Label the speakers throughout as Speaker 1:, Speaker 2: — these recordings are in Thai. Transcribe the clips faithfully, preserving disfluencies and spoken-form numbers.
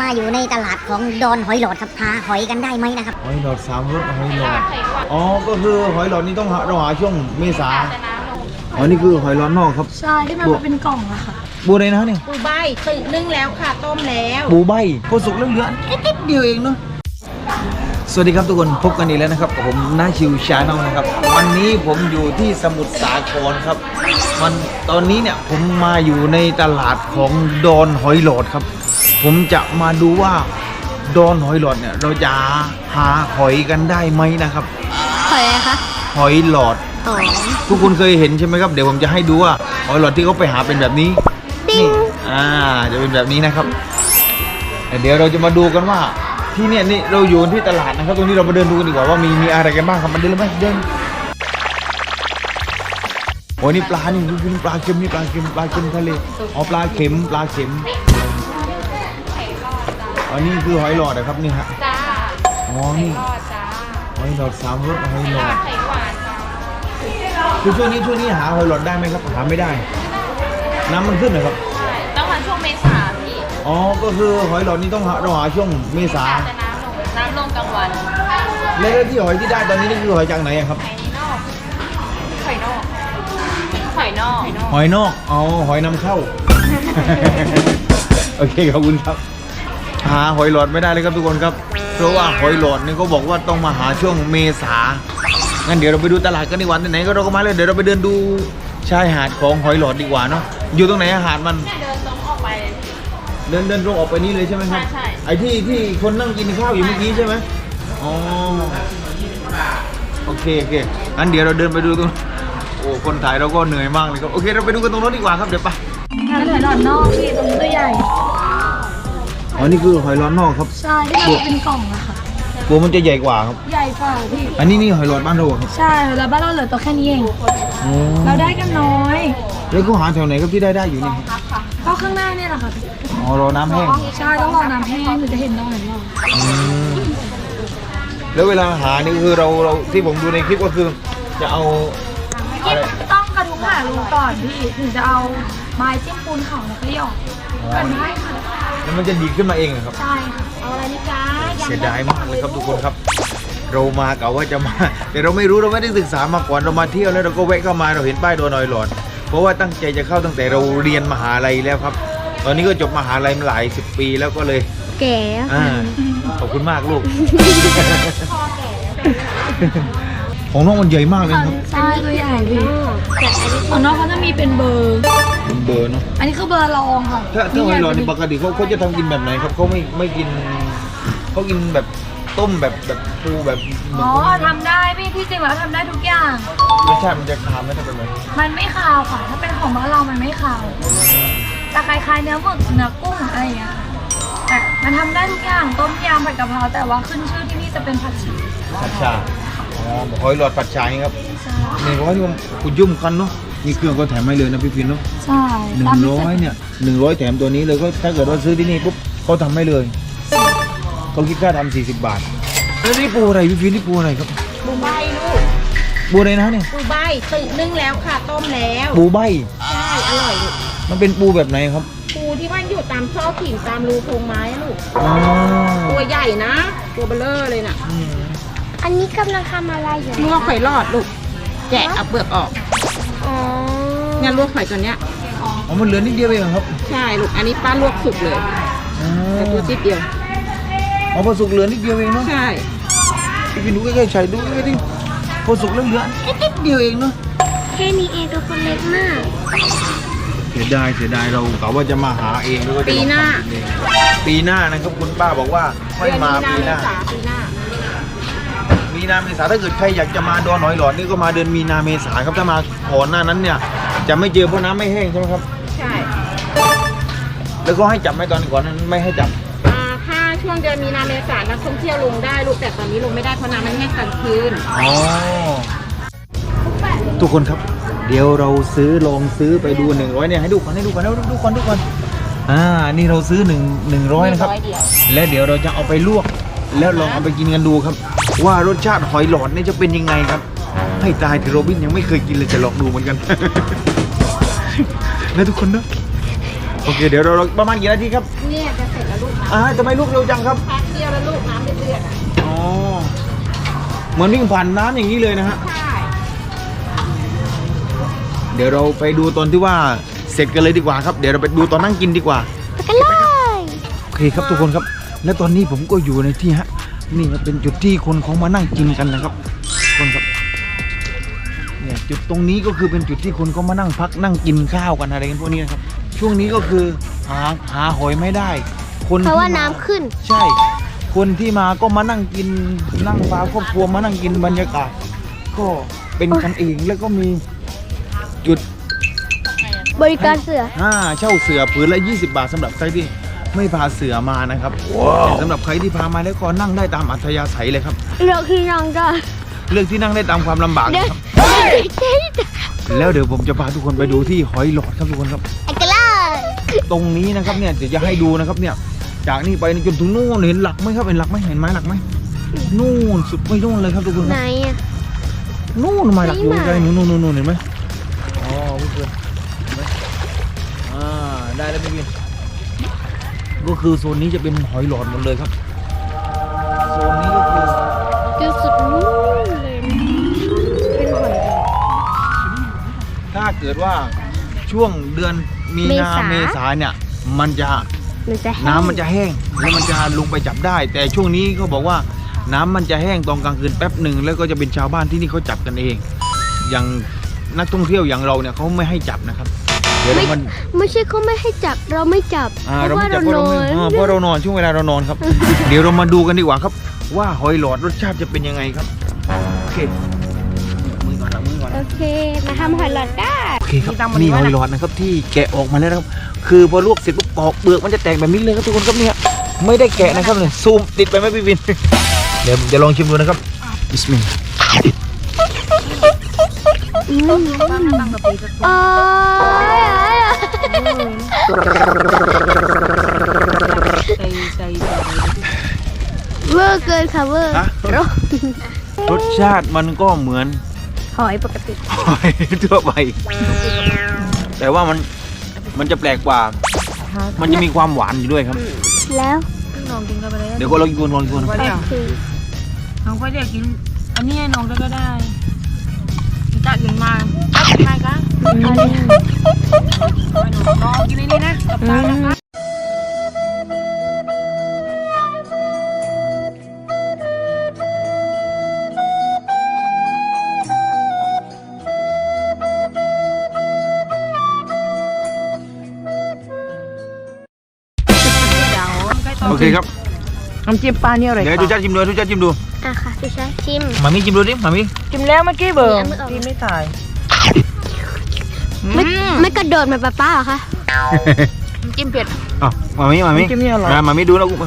Speaker 1: มาอยู่ในตลาดของดอนหอยหลอดครับหาหอยกันได้ไหมนะครับ
Speaker 2: หอยหลอดสามรสหอยหลอดอ๋อก็คือหอยหลอดนี่ต้องหาเราหาช่วงเมษาอ๋อนี่คือหอยหลอดนอกครับ
Speaker 3: ใช่ที่มันเป็นกล่องอะค่ะ
Speaker 2: บูอะไรนะเนี่ย
Speaker 4: ปูใบตึกนึ่งแล้วค่ะต้มแล้ว
Speaker 2: ปูใบพอสุกแล้วเหลือนิดเดียวเองเนาะสวัสดีครับทุกคนพบกันอีกแล้วนะครับผมน้าชิวชาแนลนะครับวันนี้ผมอยู่ที่สมุทรสาครครับมันตอนนี้เนี่ยผมมาอยู่ในตลาดของดอนหอยหลอดครับผมจะมาดูว่าดอนหอยหลอดเนี่ยเราจะหาหอยกันได้ไหมนะครับ
Speaker 1: หอยอะไรคะ
Speaker 2: หอยหลอดทุกคนเคยเห็นใช่ไหมครับเดี๋ยวผมจะให้ดูว่าหอยหลอดที่เขาไปหาเป็นแบบนี้นี่อ่าจะเป็นแบบนี้นะครับเดี๋ยวเราจะมาดูกันว่าที่เนี่ยนี่เราอยู่ที่ตลาดนะครับตรงนี้เรามาเดินดูกันดีกว่าว่ามีมีอะไรกันบ้างครับมันเดินเลยไหมเดินโอ้ยนี่ปลานี่นี่ปลาเค็มนี่ปลาเค็มปลาเค็มทะเลอ๋อปลาเค็มปลาเค็มอันนี้คือหอยหลอดนะครับนี่ฮะ
Speaker 4: จ้า
Speaker 2: อ๋อนี่หอยหลอดสามรสหอยหลอด
Speaker 4: ไข่หวาน
Speaker 2: คือช่วงนี้ช่วงนี้หาหอยหลอดได้ไหมครับหาไม่ได้น้ำมันขึ้นเหรอครับ
Speaker 4: ต้องมาช่วงเมษาพี่
Speaker 2: อ๋อก็คือหอยหลอดนี่ต้องหาเราหาช่วงเมษา
Speaker 4: แต่น้ำลงน้ำลงกลางวัน
Speaker 2: แล้วที่หอยที่ได้ตอนนี้นี่คือหอยจากไหนครับ
Speaker 4: หอยนอกหอยนอก
Speaker 2: หอยนอกอ๋อหอยนำเข้า โอเคขอบคุณครับหาหอยหลอดไม่ได้เลยครับทุกคนครับเพราะว่าหอยหลอดนี่เขาบอกว่าต้องมาหาช่วงเมษางั้นเดี๋ยวเราไปดูตลาดกันดีกว่าไหนๆก็เราก็มาเลยเดี๋ยวเราไปเดินดูชายหาดของหอยหลอดดีกว่าเนาะอยู่ตรงไหนหาดมัน
Speaker 4: เดินตรงออกไป
Speaker 2: เดินเดินตรงออกไปนี่เลยใช่ไหมครับ
Speaker 4: ใช่
Speaker 2: ไอ้ที่ที่คนนั่งกินข้าวอยู่เมื่อกี้ใช่ไหมอ๋อโอเคโอเคงั้นเดี๋ยวเราเดินไปดูตรงโอ้คนถ่ายเราก็เหนื่อยมากเลยครับโอเคเราไปดูกันตรงนู้นดีกว่าครับเดี๋ยวไป
Speaker 3: หอยหลอดนอกพี่ตรงตัวใหญ่
Speaker 2: อ๋อนี่คือหอยหลอดนอกครับ
Speaker 3: ใช่ที่มันเป็นกล่องอะค่ะ
Speaker 2: ตัวมันจะใหญ่กว่าครับ
Speaker 3: ใหญ่กว่าพี่
Speaker 2: อันนี้นี่หอยหลอดบ้านเราครับ
Speaker 3: ใช่แล้วบ้านเราเหลือตัวแค่นี้เองเราได้กันน้อย
Speaker 2: แล้วก็หาแถวไหนครับที่ได้ได้อยู่นี่
Speaker 3: ก็ข้างหน้าเนี่ยแหละค่ะ
Speaker 2: อ๋อรอน้ำแห้ง
Speaker 3: ใช่ต้องรอน้ำแห้งถึงจะเห็นน้องเห็นเรา
Speaker 2: แล้วเวลาหานี่คือเราเราที่ผมดูในคลิปก็คือจะเอา
Speaker 3: ต้องกระทุ้งหารูก่อนพี่ถึงจะเอาไม้จิ้มปูนเขาแล้วก็หยอกกันได้ค่ะ
Speaker 2: แล้วมันจะดีขึ้นมาเองครับ
Speaker 3: ใช่ค่ะเอาอะไรนี่จ้า
Speaker 2: เสียดายมากเลยครับทุกคนครับเรามากะว่าจะมาแต่เราไม่รู้เราไม่ได้ศึกษามาก่อนเรามาเที่ยวแล้วเราก็แวะเข้ามาเราเห็นป้ายดอนหอยหลอดเพราะว่าตั้งใจจะเข้าตั้งแต่เราเรียนมหาลัยแล้วครับตอนนี้ก็จบมหาลัยมาหลายสิบปีแล้วก็เลย
Speaker 1: แก่
Speaker 2: ขอบคุณมากลูกของน้องมันใหญ่มากเลยครับ
Speaker 3: ใช่ตัวใหญ่พี่ของน้องเขาจะมีเป็นเบอร์
Speaker 2: เป็นเบอร์เนาะ
Speaker 3: อันนี้คือเบอร์รองค่ะ
Speaker 2: ถ้าถ้าหอยหลอดนี่ปกติเขาเขาจะทำกินแบบไหนครับเขาไม่ไม่กินเขากินแบบต้มแบบแบบปูแบบ
Speaker 3: อ๋อทำได้พี่ที่จริงแล้วทำได้ทุกอย่าง
Speaker 2: รสชาติมันจะคาวไหมถ้าเป็นแบบ
Speaker 3: มันไม่คาวค่ะถ้าเป็นของบ้านเรามันไม่คาวแต่คล้ายๆเนื้อหมึกเนื้อกุ้งอะไรอย่างเงี้ยแต่มันทำได้ทุกอย่างต้มยำผัดกะเพราแต่ว่าขึ้นชื่อที่นี่จะเป็นผัดฉ่า
Speaker 2: ผัดฉ่าอ๋อหอยหลอดผัดฉ่าครับนี่เขาที่มันกุยุ่มกันเนาะนี่เครื่องก็แถมให้เลยนะพี่พินเนาะ
Speaker 3: ใช่
Speaker 2: หนึ่งร้อยเนี่ยหนึ่งร้อยแถมตัวนี้เลยก็ถ้าเกิดว่าซื้อที่นี่ปุ๊บเขาทำให้เลยเขาคิดค่าทำสี่สิบบาทแล้วนี่ปูอะไรพี่พินนี่ปูอะไรครับ
Speaker 4: ปูใบลูก
Speaker 2: ปูอะไรนะเนี่ย
Speaker 4: ปูใบตึกนึ่งแล้วค่ะต้มแล้ว
Speaker 2: ปูใบ
Speaker 4: ใช่อร่อยลูก
Speaker 2: มันเป็นปูแบบไหนครับ
Speaker 4: ปูที่ว่าอยู่ตามซอกหินตามรูโพรงไม้ลูกตัวใหญ่นะตัวเบลเลอร์เลยน่ะ
Speaker 1: อันนี้กำลังทำอะไรอยู่
Speaker 4: ลวกหอยหลอดลูกแกะเอาเปลือกออก
Speaker 1: อ๋อ
Speaker 4: เนี่ยลวกหอยตัวเนี้ย
Speaker 2: อ๋อมันเหลือนิดเดียวเองครับ
Speaker 4: ใช่ลูกอันนี้ป้าลวกสุกเลยแต่ตัวนิดเดียว
Speaker 2: อ๋อพอสุกเหลือนิดเดียวเองเนาะ
Speaker 4: ใช่
Speaker 2: พี่ดูใกล้ๆใช้ดูใกล้ๆดิพอสุกแล้วเหลือนิดเดียวเองเนาะ
Speaker 1: แค่นี้เองตัวคนเล็กมาก
Speaker 2: เสียดายเสียดายเรากะว่าจะมาหาเองแล้วก็
Speaker 4: ปีหน้า
Speaker 2: ปีหน้านะครับคุณป้าบอกว่าค่อยมาปีหน้า
Speaker 4: ปีหน้า
Speaker 2: มีนาเมษาถ้าเกิดใครอยากจะมาดอนหอยหลอดนี่ก็มาเดือนมีนาเมษาครับถ้ามาก่อนหน้านั้นเนี่ยจะไม่เจอเพราะน้ำไม่แห้งใช่ไหมครับ
Speaker 4: ใช่
Speaker 2: แล้วก็ให้จับไหมตอนก่อนนั้นไม่ให้จับ
Speaker 4: ถ้าช่วงเดือนมีนาเมษานักท่องเที่ยวลงได้ลูกแต่ตอนนี้ลงไม่ได้เพราะน้ำมันแห้งกลางคืน
Speaker 2: อ๋อทุกคนครับเดี๋ยวเราซื้อลองซื้อไปดูหนึ่งร้อยเนี่ยให้ดูก่อนให้ดูก่อนให้ดูก่อนดูก่อนอ่านี่เราซื้อหนึ่งหนึ่งร้อยนะครับและเดี๋ยวเราจะเอาไปลวกแล้วลองเอาไปกินกันดูครับว่ารสชาติหอยหลอดนี่จะเป็นยังไงครับให้ตายที่โรบินยังไม่เคยกินเลยจะลองดูเหมือนกันนะทุกคนนะโอเคเดี๋ยวเราประมาณกี่นาทีครับ
Speaker 4: เนี่ยจะเสร็จแล้วลูกนะ
Speaker 2: อ่าทำไมลูกเร็วจังครับ
Speaker 4: แป๊บเดียวแล้วลูกน้ำเดือดๆอ่ะ
Speaker 2: อ๋อเหมือนวิ่งผ่านน้ำอย่างนี้เลยนะฮะ
Speaker 4: ใช่
Speaker 2: เดี๋ยวเราไปดูตอนที่ว่าเสร็จกันเลยดีกว่าครับเดี๋ยวเราไปดูตอนนั่งกินดีกว่า
Speaker 1: ไปกันเลย
Speaker 2: โอเคครับทุกคนครับ และตอนนี้ผมก็อยู่ในที่ฮะนี่ครับเป็นจุดที่คนเขามานั่งกินกันนะครับทุกคนครับเนี่ยจุดตรงนี้ก็คือเป็นจุดที่คนเขามานั่งพักนั่งกินข้าวกันอะไรกันพวกนี้นะครับช่วงนี้ก็คือหาหาหอยไม่ได้ คน
Speaker 1: เพราะว่า
Speaker 2: ที่ม
Speaker 1: น้ำขึ้น
Speaker 2: ใช่ คนที่มาก็มานั่งกินนั่งพาครอบครัวมานั่งกินบรรยากาศ ก็เป็นกันเองแล้วก็มีจุด
Speaker 1: บริการเสือ
Speaker 2: อ่าเช่าเสือผืนละยี่สิบบาทสำหรับใครที่ไม่พาเสือมานะครับแต่สำหรับใครที่พามาแล้วก็นั่งได้ตามอัธยาศัยเลยครับ
Speaker 1: เราคือน้องก็
Speaker 2: เลือกที่นั่งได้ตามความลำบาก
Speaker 1: เดี๋ยว
Speaker 2: นะครับ
Speaker 1: เดี๋ยว
Speaker 2: แล้วเดี๋ยวผมจะพาทุกคนไปดูที่หอยหลอดครับทุกคนครับ
Speaker 1: ไปกันเลย
Speaker 2: ตรงนี้นะครับเนี่ยเดี๋ยวจะให้ดูนะครับเนี่ยจากนี่ไปจนถึงนู่นเห็นหลักไหมครับเห็นหลักไหมเห็นไม้หลักไหมนู่นสุดไปนู่นเลยครับทุกคนค
Speaker 1: ไหน
Speaker 2: รับ
Speaker 1: อ่ะ
Speaker 2: นู่นไม้หลักอยู่
Speaker 1: ไหน
Speaker 2: ไกลนู่นนู่นนู่นเห็นไหมอ๋อพี่เพื่อนเห็นไหมอ่าได้แล้วพี่เพื่อนก็คือโซนนี้จะเป็นหอยหลอดหมดเลยครับโซนนี้ก็คือ
Speaker 1: จุดสุดนู้นเลยเป็นหอย
Speaker 2: ถ้าเกิดว่าช่วงเดือนมีนา
Speaker 1: เมษา
Speaker 2: เมษาเนี่ยมันจะ
Speaker 1: มันจะแห้ง
Speaker 2: น้ำมันจะแห้งแล้วมันจะลงไปจับได้ แต่ช่วงนี้เขาบอกว่าน้ำมันจะแห้งตอนกลางคืนแป๊บหนึ่งแล้วก็จะเป็นชาวบ้านที่นี่เขาจับกันเอง อย่างนักท่องเที่ยวอย่างเราเนี่ยเขาไม่ให้จับนะครับเดี๋ยวเรามัน
Speaker 1: ไม่ใช่เขาไม่ให้จับเราไม่จับ
Speaker 2: อ่า
Speaker 1: เพ
Speaker 2: เรา
Speaker 1: ราะ
Speaker 2: ไม่
Speaker 1: ว่า
Speaker 2: จับ
Speaker 1: เรา
Speaker 2: เพราะ
Speaker 1: น
Speaker 2: เรา
Speaker 1: อ
Speaker 2: ไม่
Speaker 1: น
Speaker 2: อ่าเพราะเรานอนช่วงเวลาเรานอนครับ เดี๋ยวเรามาดูกันดีกว่าครับ ว่าหอยหลอดรสชาติจะเป็นยังไงครับโอเคมือก่อนนะมือก่อน
Speaker 1: โอ
Speaker 2: นะ
Speaker 1: เคมาทำหอยหลอดได้
Speaker 2: โอเคครับนี่หอยหลอดนะครับที่แกะออกมาแล้วนะครับคือพอลวกเสร็จปุ๊บปอกเปลือกมันจะแตกแบบนี้เลยครับทุกคนครับเนี่ยไม่ได้แกะนะครับเนี่ยซูมติดไปไหมพี่วิน เดี๋ยวผมจะลองชิมดูนะครับบิสมิลลาห์
Speaker 1: โอ้ย
Speaker 4: ใจใจ
Speaker 1: เวอร์เกินค่ะเวอร์
Speaker 2: ฮะรสชาติมันก็เหมือน
Speaker 1: หอยปกติ
Speaker 2: หอยทั่วไป แต่ว่ามันมันจะแปลกกว่า มันจะมีความหวานอยู่ด้วยครับ
Speaker 1: แล้ว
Speaker 4: น้องกินกันไปเลย
Speaker 2: เดี๋ยวก็ลองกินก่อนลองกินก่อน
Speaker 4: ก็เดี๋ยว
Speaker 1: คือ
Speaker 4: น้องก็เดี๋ยวกิน อันนี้ให้น้องก็ได้จะกินมาจะกินมากันน้องกินในนี้นะกับตานะคะ
Speaker 2: โอเคครับ
Speaker 4: น้ำจิ้มปลาเนี่ยอะไร
Speaker 2: เดี๋ยวดูจ้าชิมดูดูจ้าชิมดู
Speaker 1: อ่ะค่ะพี่ชายชิม
Speaker 2: มามิชิมดูดิมามิ
Speaker 4: จิ้มแล้วเมื่อกี้เบอร์
Speaker 1: เอามือออก
Speaker 4: จิ้มไม่ตาย
Speaker 1: ไม่ไม่กระโดดเหมือนป้าป้าเหรอคะ
Speaker 4: จิ้มเผ็ด
Speaker 2: อ๋อมามิมามิ
Speaker 4: น้ำจิ้มนี่อร่อย
Speaker 2: มามามิดูแล้วกู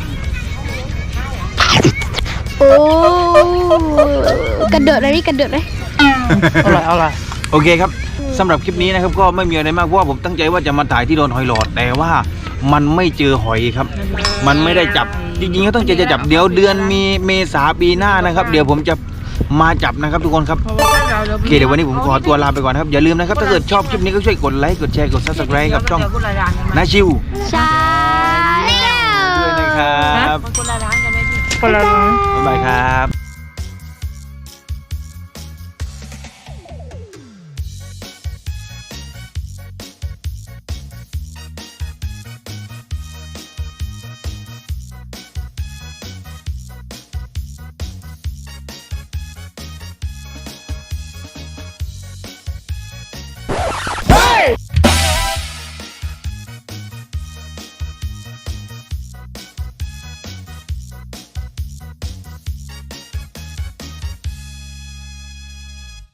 Speaker 1: โอ้กระโดดอะไรนี่กระโดดเลย
Speaker 4: อร่อยอร่อย
Speaker 2: โอเคครับสำหรับคลิปนี้นะครับก็ไม่มีอะไรมากเพราะว่าผมตั้งใจว่าจะมาถ่ายที่โดนหอยหลอดแต่ว่ามันไม่เจอหอยครับ มันไม่ได้จับจริงๆก็ต้องใจจะจับเดี๋ยวเดือนมีเมษาปีหน้านะครับ เดี๋ยวผมจะมาจับนะครับทุกคนครับโอเคเดี๋ยววันนี้ผมขอตัวลาไปก่อนนะครับอย่าลืมนะครับถ้าเกิดชอบคลิปนี้ก็ช่วยกดไลค์กดแชร์กดซับสไครต์กับช่องนาชิว
Speaker 1: ใช่
Speaker 2: ด้วยนะครับ
Speaker 4: คนละร้านกันไหมพี่คนละร้าน
Speaker 2: บ๊ายบายครับ